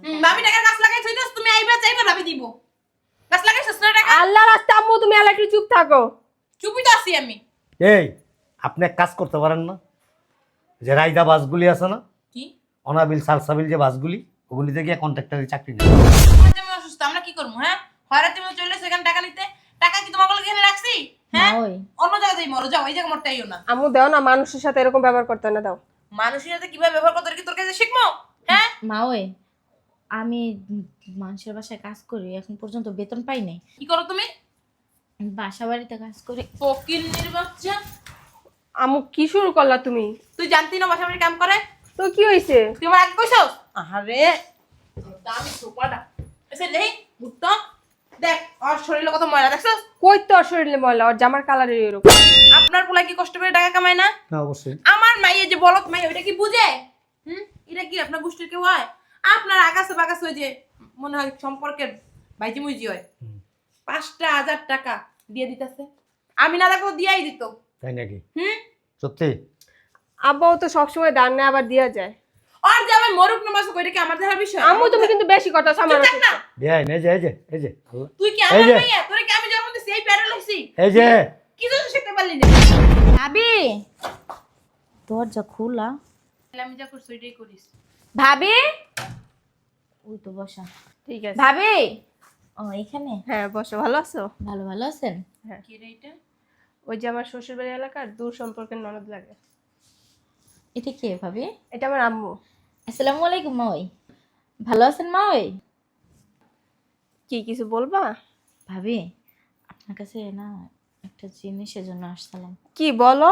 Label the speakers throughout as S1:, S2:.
S1: ভাবি টাকা গাছ লাগাই থইছস, তুমি আইবা চাইবা ভাবি দিব। গাছ লাগাইছস না টাকা?
S2: আল্লাহ রাস্তা আম্মু তুমি এলা একটু চুপ থাকো।
S1: চুপই তো আছি আমি।
S3: এই আপনি এক কাজ করতে পারেন না, যে রাইদা বাসগুলি আছে না,
S1: কি?
S3: অনাবিল সালসাবিল যে বাসগুলি, ওগুলিতে গিয়ে কন্ট্রাক্টরের চাকরি নেই।
S1: তোমার যে আমি অসুস্থ, আমরা কি করবো? হ্যাঁ, হয়রাতি মতো চলে সেখানে টাকা নিতে। টাকা কি তোমার গলে এখানে রাখছি? হ্যাঁ,
S4: ওই
S1: অন্য জায়গায় যাই মরো, যাও, এই জায়গা মরতেইও না।
S2: আম্মু দাও না, মানুষের সাথে এরকম ব্যবহার করতে না, দাও।
S1: মানুষের সাথে কিভাবে ব্যবহার করতে হয় কি তোর কাছে শিখবো? হ্যাঁ,
S4: মা ওই আমি মানুষের বাসায় কাজ করি, এখন পর্যন্ত বেতন পাই নাই।
S1: কি করো তুমি?
S4: বাসা বাড়িতে কাজ করি।
S1: ফকিন্নির বাচ্চা,
S2: আম্মু কি শুরু করলা তুমি?
S1: তুই জানতি না বাসা বাড়ি কাম করে?
S2: তো কি হইছে?
S1: তুই আমার আগে কইছস? আহারে দামি সোপাটা এসে নেই ভুট্টা, দেখ আর শরীরে কত ময়লা দেখছস?
S2: কই তো শরীরে ময়লা, আর জামার কালারের এরকম।
S1: আপনার পোলা কি কষ্ট করে টাকা কামায় না?
S3: না অবশ্যই।
S1: আমার মাই এই যে বলত মাই, ওইটা কি বুঝে? এটা কি আপনার গোষ্ঠীর কেউ হয়? আপনার আগাছে বাগাছে ওই যে মনে হয় সম্পর্কের ভাইজি মুইজি হয়, 5,000 টাকা দিয়ে দিতেছে। আমি না দেখো দিয়াই দিত।
S3: তাই নাকি?
S1: হুম,
S3: সত্যি?
S2: আব্বাও তো সবসময় দান নেয়, আবার দিয়া যায়।
S1: আর যে আমার মরুক না মাসুক ওইটা কি আমার দেখার বিষয়?
S2: আম্মু তুমি কিন্তু বেশি কথা আমার
S1: চুপ থাক না।
S3: দেয় এই যে এই যে এই যে আল্লাহ।
S1: তুই কি
S3: এই
S1: আমার
S3: যে।
S1: মাইয়া? তোরে কি আমি জন্ম দিছি এই প্যারা লইছি?
S3: এই যে
S1: কিছু তো শিখতে পারলি না।
S4: ভাবি দরজা খোলা।
S1: আমি যা করছি ওইটাই করিস।
S4: ভাবি ওই তো বসা।
S2: ঠিক আছে।
S4: ভাবি ও এখানে।
S2: হ্যাঁ বসো, ভালো আছো?
S4: ভালো ভালো আছেন?
S2: হ্যাঁ।
S1: কি রে এটা?
S2: ওই যে আমার শ্বশুর বাড়ি এলাকার দূর সম্পর্কের ননদ লাগে।
S4: এটা কে ভাবি?
S2: এটা আমার আম্মু।
S4: আসসালামু আলাইকুম মা ওই। ভালো আছেন মা ওই?
S2: কি কিছু বলবা?
S4: ভাবি আপনার কাছে না একটা জিনিসের জন্য আসছিলাম।
S2: কি বলো?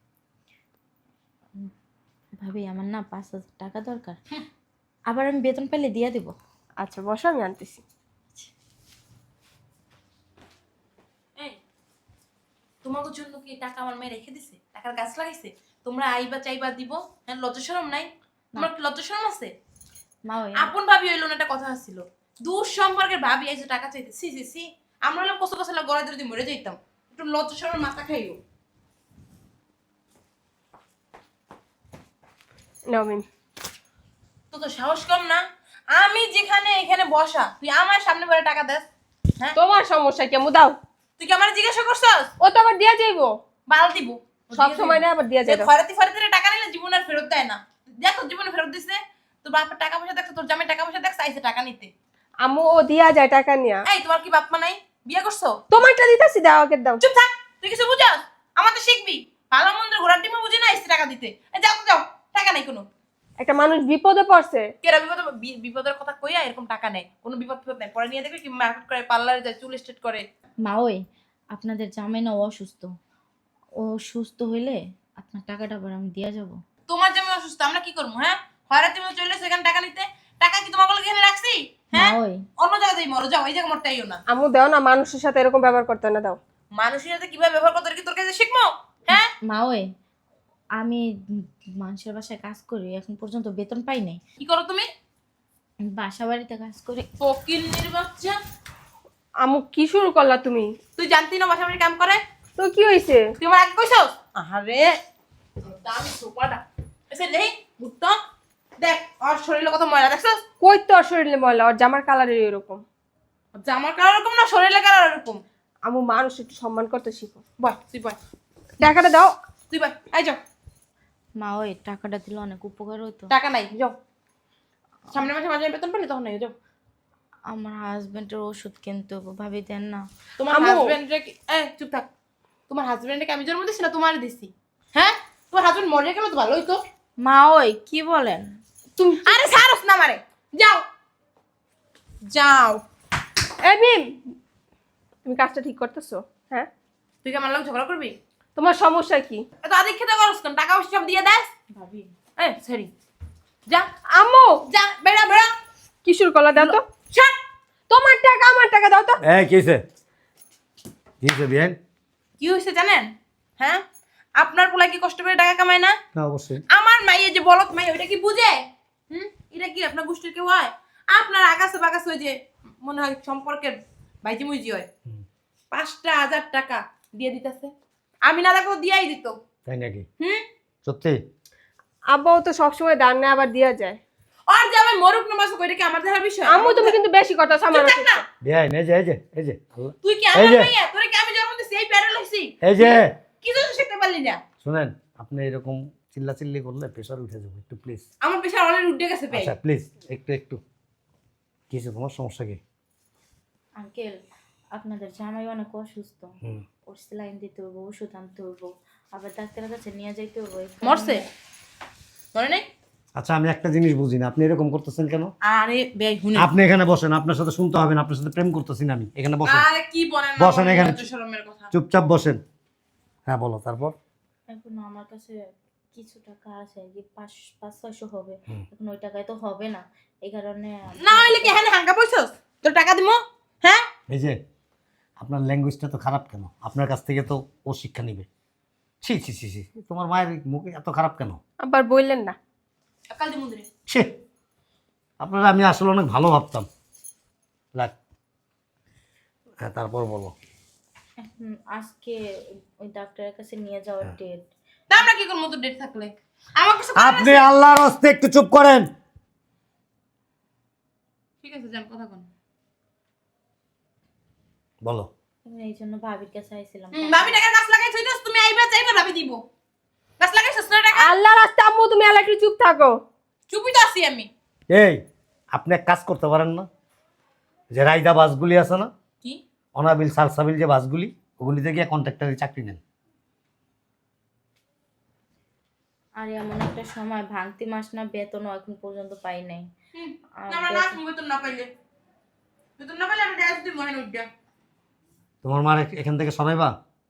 S4: ভাবি আমার না 5,000 টাকা দরকার, আবার আমি বেতন পেলে দিয়ে দেব।
S2: আচ্ছা বসো, আমি আনতেছি।
S1: এই তোমাদের জন্য কি টাকা আমার মেয়ে রেখে দিছে? টাকার গাছ লাগাইছে? তোমরা আইবা চাইবা দিব? হ্যাঁ, লজ্জা শরম নাই? তোমার কি লজ্জা শরম আছে?
S4: মা ওই
S1: আপন ভাবি হইলো না, একটা কথা ছিল। দূর সম্পর্কের ভাবি আইছে টাকা চাইতে, সি সি সি। আমরা হলাম কষ্ট কষ্ট গড়াই ধরে মরে যাইতাম। একটু লজ্জা শরম মাথা খাইও।
S2: নাও মিম।
S1: তো তো সাহস কম না? আমি যেখানে এখানে বসা, তুই আমার সামনে বলে টাকা দেস? হ্যাঁ,
S2: তোমার সমস্যা কি আম্মু? দাও।
S1: তুই কি আমার জিজ্ঞাসা করছস?
S2: ও তো আবার দিয়া যাইবো।
S1: বাল দিব
S2: সব সময় না, আবার দিয়া যায়।
S1: খরাতি ফরাতি টাকা নিলে জীবন আর ফেরত দেয় না। দেখো জীবনে ফেরত দিছে। তোর বাপের টাকা পয়সা দেখছো, তোর জামাই টাকা পয়সা দেখছো, আইছে টাকা নিতে।
S2: আম্মু ও দিয়া যায় টাকা নিয়া।
S1: এই তোমার কি বাপ মা নাই? বিয়ে করছো?
S2: তোমারটা দিতাছি, দাও আগে দাও।
S1: চুপ থাক, তুই কিছু বুঝাস? আমাদের শিখবি। ভালো মন্দ ঘোরার টিমে বুঝি না আইছে টাকা দিতে। এই যাও তো যাও, টাকা নাই কোনো।
S2: একটা মানুষ বিপদে পড়ছে।
S1: কেরা বিপদের কথা কইয়া এরকম টাকা নেই, কোনো বিপদ নাই। পরে নিয়ে দেখবে কি মার্কেট করে, পার্লারে যায়, চুল স্ট্রেট করে।
S4: মা ওই আপনাদের জামাই না অসুস্থ, ও সুস্থ হইলে আপনার টাকাটা আবার আমি দিয়ে যাব।
S1: তোমার যেমন অসুস্থ, আমরা কি করবো? হ্যাঁ, হয়রাতি মতো চলে সেখানে টাকা নিতে। টাকা কি তোমার গলে এখানে রাখছি? হ্যাঁ,
S4: মা ওই
S1: অন্য জায়গায় যাই মরো, যাও, এই জায়গা মরতেইও না।
S2: আম্মু দাও না, মানুষের সাথে এরকম ব্যবহার করতে না, দাও।
S1: মানুষের সাথে কিভাবে ব্যবহার করতে হয় কি তোর কাছে শিখবো? হ্যাঁ,
S4: মা ওই আমি মানুষের বাসায় কাজ করি, এখন পর্যন্ত বেতন পাই নাই।
S1: কি করো তুমি?
S4: বাসা বাড়িতে কাজ করি।
S1: ফকিন্নির বাচ্চা,
S2: আম্মু কি শুরু করলা তুমি?
S1: তুই জানতি না বাসা বাড়ি কাম করে?
S2: তো কি হইছে?
S1: তুই আমার আগে কইছস? আহারে দামি সোপাটা এসে নেই ভুট্টা, দেখ আর শরীরে কত ময়লা দেখছস?
S2: কই তো শরীরে ময়লা, আর জামার কালারের এরকম।
S1: জামার কালার এরকম না, শরীরে কালার এরকম।
S2: আম্মু মানুষ একটু সম্মান করতে শিখো।
S1: বয় তুই বয়,
S2: টাকাটা দাও।
S1: তুই বয়, আই যাও।
S4: মা ওই টাকাটা দিলে অনেক উপকার হতো।
S1: টাকা নাই, যাও। সামনের মাসে মাঝে বেতন পেলে তখন নাই, যাও।
S4: আমার হাজবেন্ডের ওষুধ কিনতে হবে, ভাবি দেন না।
S1: তোমার
S2: আম্মু।
S1: হাজবেন্ডরে চুপ থাক। তোমার হাজবেন্ডকে আমি জন্ম দিছি না তোমার দিছি? হ্যাঁ, তোমার হাজবেন্ড মরে গেলে তো ভালো হইতো।
S4: মা ওই কি বলেন?
S2: তুমি
S1: আরে ছাড়স না মারে, যাও যাও।
S2: এই মিম, তুমি কাজটা ঠিক করতেছো? হ্যাঁ।
S1: তুই কি আমার লোক ঝগড়া করবি?
S2: তোমার সমস্যা কি?
S1: এত আদিক খেতে করস কেন? টাকা পয়সা সব দিয়ে দেস ভাবি। সরি, যা
S2: আম্মু
S1: যা, বেড়া বেড়া।
S2: কি শুরু করলা? দাও তো।
S1: ছাড়।
S2: তোমার টাকা আমার টাকা, দাও তো।
S3: এই কিসে কিসে বিয়ান?
S1: কি হয়েছে জানেন? হ্যাঁ, আপনার পোলা কি কষ্ট করে টাকা কামায় না?
S3: না অবশ্যই।
S1: আমার মাইয়ে যে বলত মাই, ওইটা কি বুঝে? এটা কি আপনার গোষ্ঠীর কেউ হয়? আপনার আগাছে বাগাছে ওই যে মনে হয় সম্পর্কের ভাইজি মুইজি হয়, 5,000 টাকা দিয়ে দিতেছে। আমি না দেখো দিয়াই দিত।
S3: তাই নাকি?
S1: হুম,
S3: সত্যি?
S2: আব্বাও তো সবসময় দান নেয়, আবার দিয়া যায়।
S1: আর যে আমি মরুক না মাসুক ওইটা কি আমার দেখার বিষয়?
S2: আম্মু তুমি কিন্তু বেশি কথা আমার
S1: তুই থাক না।
S3: বেআই এই যে আল্লাহ
S1: তুই কি
S3: এই
S1: আমার
S3: যে।
S1: মাইয়া? তোরে কি আমি জন্ম দিছি এই প্যারা লইছি?
S3: এই যে
S1: কি জন্য শিখতে পারলি না?
S3: শুনেন, আপনি এরকম চিল্লাচিল্লি করলে প্রেশার উঠে যাবে, একটু প্লিজ।
S1: আমার পেশা অলরেডি উঠে গেছে ভাই।
S3: আচ্ছা প্লিজ একটু কিছু, তোমার সমস্যা কি?
S4: আঙ্কেল আপনাদের জামাই অনেক অসুস্থ,
S3: হুম।
S4: ওর স্যালাইন দিতে হইব, ওষুধ আনতে হইব, আবার ডাক্তারের কাছে নিয়ে যাইতে হইব।
S1: মরছে? মরে নাই?
S3: আচ্ছা আমি একটা জিনিস বুঝি না, আপনি এরকম করতেছেন কেন?
S1: আরে ভাই হুনে।
S3: আপনি এখানে বসেন, আপনার সাথে শুনতে হবে না, আপনার সাথে প্রেম করতেছি না আমি, এখানে বসেন,
S1: আরে কি বলেন না?
S3: বসেন এখানে।
S1: লজ্জা শরমের কথা।
S3: চুপচাপ বসেন। হ্যাঁ বলো, তারপর?
S4: এখন আমার কাছে কিছু টাকা আছে, আর কি 500-600 হবে।
S3: হুম।
S4: এখন ওই টাকায় তো হবে না, এই কারণে
S1: না হইলে কি এখানে হাঙ্গা পয়সস? তোর টাকা দিমু? হ্যাঁ?
S3: এই যে আপনার ল্যাঙ্গুয়েজটা তো খারাপ কেন? আপনার কাছ থেকে তো ও শিক্ষা নিবে। ছি ছি ছি ছি, তোমার মায়ের মুখে এত খারাপ কেন?
S2: আবার বললেন না।
S1: কাল দিমু দিরে।
S3: ছি, আপনারা আমি আসলে অনেক ভালো ভাবতাম। লাগ, হ্যাঁ তারপর বলো।
S4: এখন আজকে ওই ডাক্তারের কাছে নিয়ে যাওয়ার
S3: হ্যাঁ।
S4: ডেট।
S1: তা আমরা কি করব তোর ডেট থাকলে? আমার কিছু করার
S3: আপনি
S1: আছে?
S3: আল্লাহর হস্তে একটু চুপ করেন।
S1: ঠিক আছে যান কথা কোন।
S3: বলো।
S4: এই জন্য ভাবির কাছে আইছিলাম।
S1: ভাবি টাকা গাছ লাগাই থইতাস তুমি আইবা চাইবা ভাবি দিব। গাছ লাগাইছস না টাকা?
S2: আল্লাহ রাস্তা আম্মু তুমি আল্লাহ একটু চুপ থাকো।
S1: চুপই তো আছি আমি।
S3: এই আপনি এক কাজ করতে পারেন না, যে রাইদা বাসগুলি আছে না,
S1: কি?
S3: অনাবিল সালসাবিল যে বাসগুলি, ওগুলিতে গিয়ে কন্ট্রাক্টরের চাকরি নেন।
S4: আর এমন একটা সময় ভাঙতি মাস না, বেতনও এখন পর্যন্ত পাই নাই। আর
S1: আমরা নাচ বেতন না পাইলে। বেতন না পাইলে আমি ডাইস দিই মহেন উঠা।
S3: তোমার মার এখান থেকে সরাইবা,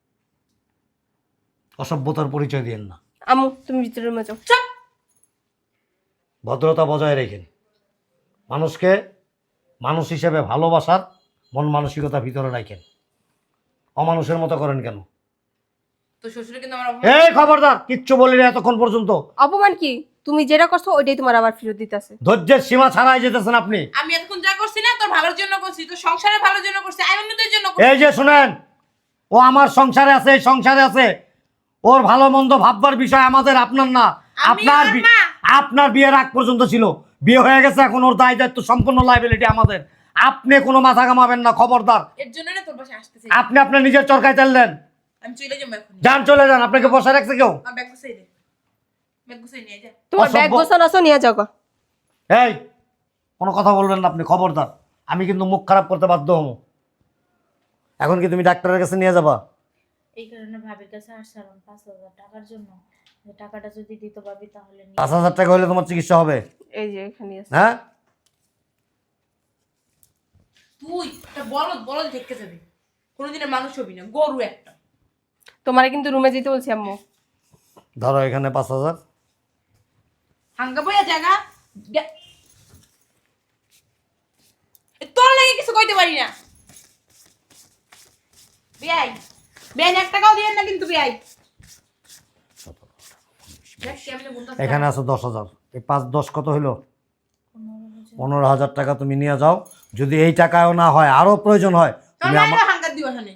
S3: অসভ্যতার পরিচয় দিয়েন না,
S2: আম্মু তুমি ভিতরে রুমে যাও।
S1: চুপ।
S3: ভদ্রতা বজায় রেখেন, মানুষকে মানুষ হিসেবে ভালোবাসার মন মানসিকতা ভিতরে রাখেন, অমানুষের মতো করেন কেন?
S1: তো শ্বশুরে কিন্তু আমার
S3: এই খবরদার, কিচ্ছু বলি না এতক্ষণ পর্যন্ত।
S2: অপমান কি? তুমি যেটা করছো ওইটাই তোমার আবার ফেরত দিতেছে।
S3: ধৈর্যের সীমা ছাড়াই যেতেছেন আপনি।
S1: আমি এতক্ষণ যা করছি না তোর ভালোর জন্য করছি, তোর সংসারের ভালোর জন্য করছি, আইনদের জন্য করছি।
S3: এই যে শুনেন, ও আমার সংসারে আছে, এই সংসারে আছে, ওর ভালো মন্দ ভাববার বিষয় আমাদের, আপনার না।
S1: আমি
S3: আপনার
S1: ওর মা।
S3: আপনার বিয়ের আগ পর্যন্ত ছিল, বিয়ে হয়ে গেছে, এখন ওর দায় দায়িত্ব সম্পূর্ণ লাইবিলিটি আমাদের। আপনি কোনো মাথা ঘামাবেন না, খবরদার।
S1: এর জন্য না তোর বাসায় আসতেছি।
S3: আপনি আপনার নিজের চরকায় চাললেন।
S1: আমি চলে যাবো এখন।
S3: যান, চলে যান, আপনাকে বসে রাখছে কেউ?
S1: আমার ব্যাগ গুছাই দে। ব্যাগ গুছাই নিয়ে যা।
S2: তোমার ব্যাগ
S3: অসভ্য।
S2: গোছানো আছে নিয়ে যাও গো।
S3: এই কোনো কথা বলবেন না আপনি, খবরদার। আমি কিন্তু মুখ খারাপ করতে বাধ্য হবো। এখন কি তুমি ডাক্তারের কাছে নিয়ে যাবা?
S4: এই কারণে ভাবির কাছে আসছিলাম 5,000 টাকার জন্য। যে টাকাটা যদি দিতে পারবি তাহলে নিয়ে
S3: 5,000 টাকা হলে তোমার চিকিৎসা হবে?
S2: এই যে এখানে আছে।
S3: হ্যাঁ,
S1: তুই একটা বলদ বলদ দেখতে যাবি। কোনোদিনের মানুষ হবি না, গরু একটা।
S2: তোমারে কিন্তু রুমে যেতে বলছি আম্মু।
S3: ধরো এখানে 5,000।
S1: হাঙ্গা বইয়া জায়গা তোর লাগে কিছু কইতে পারি না। বিয়াই বেন 1 টাকাও দিয়েন না কিন্তু বিয়াই। দেখ কেমনে বলতাছ।
S3: এখানে আছে 10,000। এই 5-10 কত হইলো?
S4: 15,000।
S3: 15,000 টাকা তুমি নিয়ে যাও। যদি এই টাকাও না হয়, আরো প্রয়োজন হয়,
S1: তোর
S3: তুমি আমার
S1: মায়ের হাঙ্গা দিও এখানে।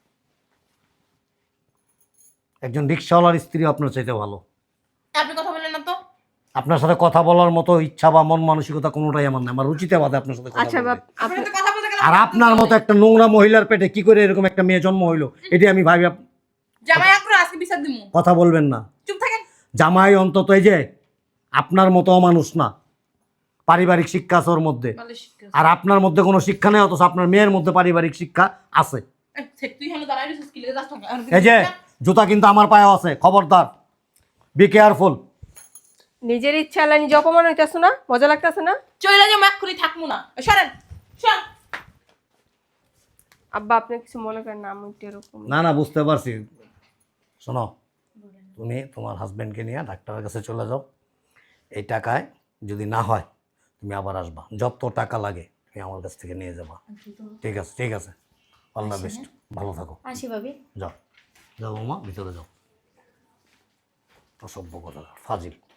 S3: একজন রিক্সাওয়ালার স্ত্রী আপনার চাইতে ভালো।
S1: আপনি কথা বলেন না তো।
S3: আপনার সাথে কথা বলার মতো ইচ্ছা বা মন মানসিকতা কোনোটাই আমার নাই, আমার রুচিতে বাদে আপনার সাথে কথা
S2: আচ্ছা
S3: বলতে।
S2: বাপ
S1: আপনি তো কথা বলতে গেলে
S3: আর আপনার মতো একটা নোংরা মহিলার পেটে কি করে এরকম একটা মেয়ে জন্ম হইলো, এটি আমি ভাবি।
S1: জামাই আকরো আজকে বিচার দিমু।
S3: কথা বলবেন না।
S1: চুপ থাকেন।
S3: জামাই অন্তত এই যে আপনার মতো মানুষ না, পারিবারিক শিক্ষা আছে ওর মধ্যে,
S1: ভালো শিক্ষা।
S3: আর আপনার মধ্যে কোনো শিক্ষা নেই, অথচ আপনার মেয়ের মধ্যে পারিবারিক শিক্ষা আছে।
S1: তুই এখানে দাঁড়াই রইছিস কি লাগে যাস না।
S3: এই যে জুতা কিন্তু আমার পায়েও আছে, খবরদার, বি কেয়ারফুল।
S2: নিজের ইচ্ছা আল্লাহ নিজে অপমান হইতাছো না? মজা লাগতাছে না?
S1: চইলা যে এক্ষুনি থাকমু না। সরেন সর।
S2: আব্বা আপনি কিছু মনে করেন না, আমি একটু এরকম।
S3: না না, বুঝতে পারছি। শোনো, তুমি তোমার হাজব্যান্ডকে নিয়ে ডাক্তারের কাছে চলে যাও। এই টাকায় যদি না হয় তুমি আবার আসবা, যত টাকা লাগে তুমি আমার কাছ থেকে নিয়ে যাবা। ঠিক আছে, ঠিক আছে, অল দ্য বেস্ট, ভালো থাকো।
S4: আসি ভাবি।
S3: যাও যাও বৌমা, ভিতরে যাও। অসভ্য কথা, ফাজিল।